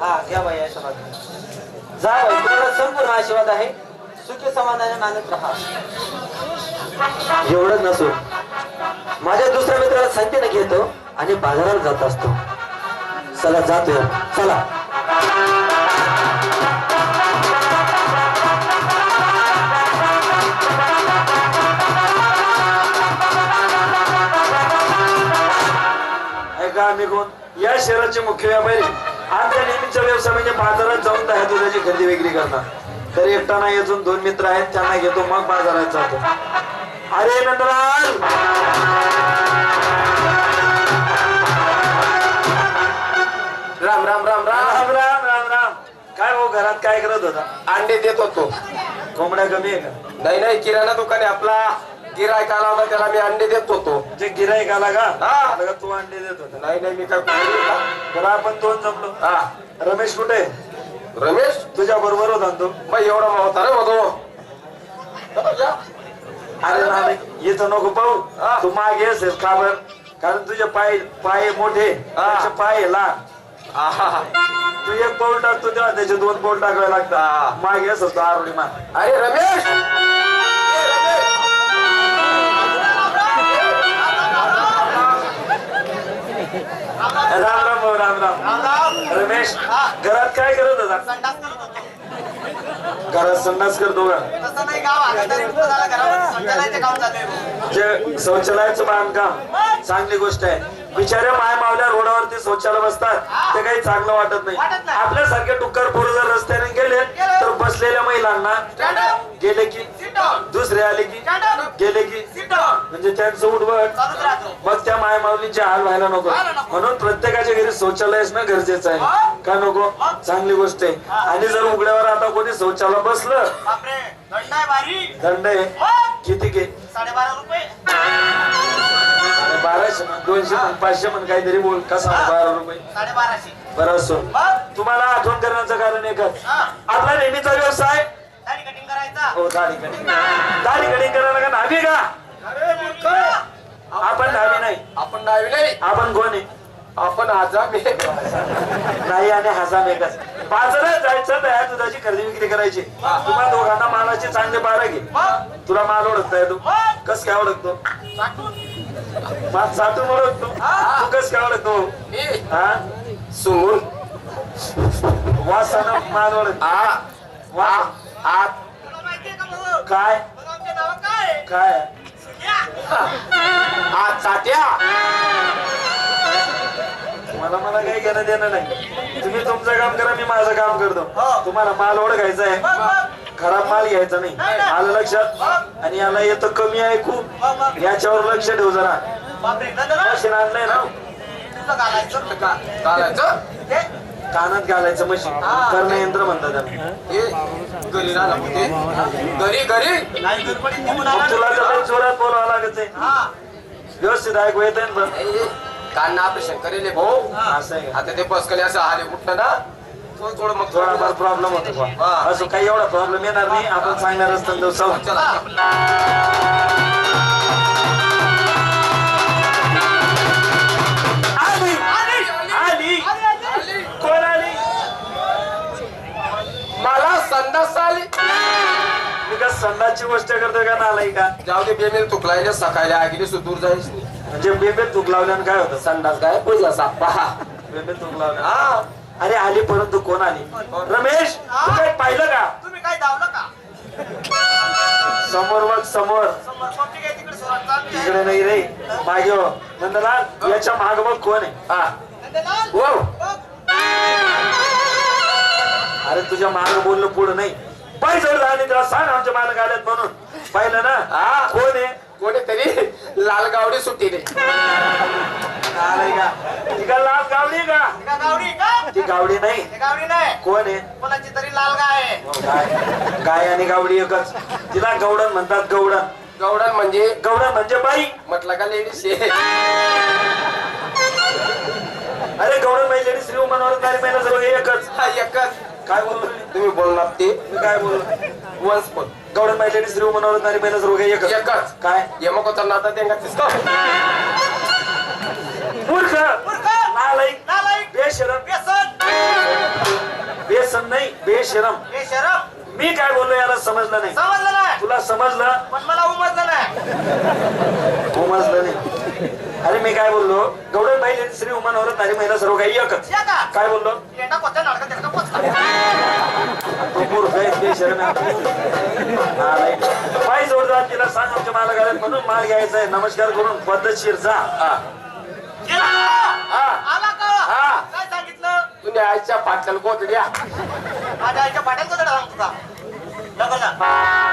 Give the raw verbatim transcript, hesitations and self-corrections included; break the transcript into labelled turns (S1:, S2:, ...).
S1: हा घ्या बाई आशीर्वाद जा बाई तुला संपूर्ण आशीर्वाद आहे सुखी समाधानाने नांदत राहा एवढंच नसून माझ्या दुसऱ्या मित्राला संख्येने घेतो आणि बाजारात जात असतो चला जातोय चला
S2: ऐका आम्ही कोण या शहराचे मुख्य व्यापारी आमच्या नेहमीचा व्यवसाय म्हणजे बाजारात जाऊन दहा दुधाची खरेदी विक्री करणार तर एकटा नाही अजून दोन मित्र आहेत त्यांना घेतो मग बाजारात जातो अरे नंदलाल
S3: राम राम राम राम
S2: राम राम राम राम काय भाऊ घरात काय करत होता
S3: अंडे देत होतो
S2: कोंबड्या कमी आहे का
S3: नाही नाही किराणा दुकाने आपला गिरायक आला होता त्याला मी अंडे देत होतो
S2: जे गिराईक आला का
S3: हा.
S2: आला का तू अंडे देत होता
S3: नाही नाही मी काय बोलू का?
S2: बरं आपण दोन जमलो
S3: हा
S2: रमेश कुठे
S3: रमेश
S2: तुझ्या बरोबर होता ना तो
S3: मग एवढा होता रे होतो
S2: अरे ना येतो नको पाहू
S3: हा.
S2: तू मागे असेल का बर कारण तुझे पाय पाय मोठे त्याचे पाय लहान तू एक पाऊल टाकतो तेव्हा त्याचे दोन पाऊल टाकावे लागतात मागे असेल तो आरोडी मान
S3: अरे रमेश ए, रमेश
S2: राम राम भाऊ, राम राम रमेश घरात काय करत होता घरात संडास करतो का जे शौचालयाचं बांधकाम चांगली गोष्ट आहे बिचाऱ्या माय मावल्या रोडावरती शौचालय बसतात ते काही चांगलं वाटत नाही आपल्यासारखे टुक्कर पोरं जर रस्त्याने गेले तर बसलेल्या महिलांना गेले की दुसरे आले की गेले की म्हणजे त्यांचं उठबट मग त्या माय माऊलींचे हाल व्हायला नको म्हणून प्रत्येकाच्या घरी शौचालय असणं गरजेचं आहे का नको चांगली गोष्ट आहे आणि जर उघड्यावर आता कोणी शौचालय बसलं दंड आहे किती घे
S1: साडेबारा रुपये
S2: बाराशे म्हण दोनशे म्हण पाचशे म्हण काहीतरी बोल कसा बारा रुपये
S1: साडेबाराशे
S2: बरं असो तुम्हाला आठवण करण्याचं कारण एकच आपला नेहमीचा व्यवसाय
S1: दाढी कटिंग करायचा
S2: हो दाढी कटिंग दाढी कटिंग करायला का नाभी का आपण नाभी नाही
S3: आपण नावी नाही
S2: आपण कोण आहे
S3: आपण आजाम आहे
S2: नाही आणि हसाम एकच बाजारात जायचं तयार दुधाची खरेदी विक्री करायची तुम्हाला दोघांना मालाचे चांगले बारा घे तुला माल ओळखताय तू कस काय ओळखतो माल साठून ओळखतो तू कस काय ओळखतो
S3: मी
S2: हा
S3: सुमून
S2: वासानं माल ओळख
S3: आ
S2: वा
S3: आ
S1: तुला माहितीये का भाऊ
S2: काय
S1: मग आमचे नाव काय आहे?
S2: काय
S1: सुन्या.
S3: आ चाट्या
S2: मला मला काही घेणं देणं नाही तुम्ही तुमचं काम करा मी माझं काम करतो तुम्हाला माल ओळखायचा आहे खराब माल घ्यायचा नाही आलं लक्षात आणि याला येतं कमी आहे खूप याच्यावर लक्ष ठेव जरा
S1: बापरे नंदलाल,
S2: मशीन आणलंय ना
S1: तुझं घालायचं
S3: का चालायचं
S1: हे?
S2: कानात घालायचं मशीन करणं यंत्र म्हणतात त्याला
S3: हे घरी राहिला होते घरी घरी
S1: नाही गडबडीत निघून
S2: मग
S1: आला
S2: तुला
S1: ना.
S2: तर लई जोरात बोलावं लागत आहे
S1: हा.
S2: व्यवस्थित ऐकू येत आहे ना
S3: ए, कान ऑपरेशन करेल भाऊ
S2: असं आहे का?
S3: आता ते बसकले असं हाले उठलं ना थोडं थोडं मग
S2: थोडाफार प्रॉब्लेम होतो बा.
S3: हा.
S2: असं काही एवढा प्रॉब्लेम येणार नाही आपण चांगल्या रस्त्याने जाऊ चला.
S3: चला
S2: आली आली
S3: आली.
S2: कोण आली
S3: मला संडास आली
S2: मी का संडासची गोष्ट करतोय का नालाय का
S3: जाऊ दे बेमेल तुकलायला सकाळी आगीली सुदूर जायच नाही
S2: म्हणजे बेबे तूक लावल्यानं काय होतं
S3: संडास काय पुजला सापा
S2: बेबे तूक लावल्या
S3: हा
S2: अरे आली परंतु कोण आली रमेश तू काय पाहिलं का
S1: तुम्ही काय धावलं का
S2: समोर बघ समोर
S1: समोर कोणती काय तिकडे सुरात चालली आहे?
S2: तिकडे नाही रे मागे हो. नंदलाल याच्या माग बघ कोण आहे
S3: हा
S1: नंदलाल,
S3: हो
S1: बघ.
S2: अरे तुझ्या माग बोललं पुढं नाही पाय जवळ झाले त्याला सांग आमच्या मालक आल्यात म्हणून पाहिलं ना
S3: हा.
S2: कोण आहे
S3: कोणीतरी लाल गावडी सुट्टीने
S2: आलंय का ती का लाल गावडी का
S1: ती का गावडी का
S2: ती गावडी नाही
S1: ती गावडी नाही
S2: कोण आहे
S1: कोणाची तरी लाल गाय आहे
S2: गाय गाय आणि गावडी एकच तिला गवडण म्हणतात गवडण
S3: गवडण म्हणजे
S2: गवडण म्हणजे बाई
S3: म्हटलं का लेडीज
S2: अरे गवडण बाई लेडीज श्री मनोहर गाडी महिना सर्व एकच
S3: हा एकच
S2: काय बोललो
S3: तुम्ही बोलणार ते
S2: मी काय बोललो
S3: वन्स पण
S2: गवडण बाई लेडीज श्री मनोहर गाडी महिना सर्व एकच
S3: एकच
S2: काय
S3: यमक होता नाता त्यांना तिसका
S2: मूर्ख
S1: मूर्ख,
S2: नालायक
S1: नालायक,
S2: बेशरम
S1: व्यसन.
S2: बेसन नाही बेशरम.
S4: हे शरम
S2: मी काय बोललो याला समजलं नाही.
S4: समजलं नाही
S2: तुला समजलं
S4: पण मला उमजलं नाही.
S2: उमजलं नाही. अरे मी काय बोललो गौडन बाई श्री उमान औरत नारी महिला सर्व काही एकच.
S4: या का?
S2: काय बोललो
S4: येणा कोणत्या नाटकात त्याला पोचला.
S2: तू मूर्ख आहेस, बेशरम आहे. हा, right. बाई जोरदार तिला सांग आमच्या मालकाला म्हणून माल घ्यायचा आहे. नमस्कार करून पद्धतशीर जा. हा.
S4: गेला
S2: हा.
S4: आला का?
S3: हा.
S4: काय सांगितलं?
S3: तुम्ही आईच्या पाटल्याला कोत द्या.
S4: माझ्या आईच्या पाट्यात कोणता सांगतो का? नको ना.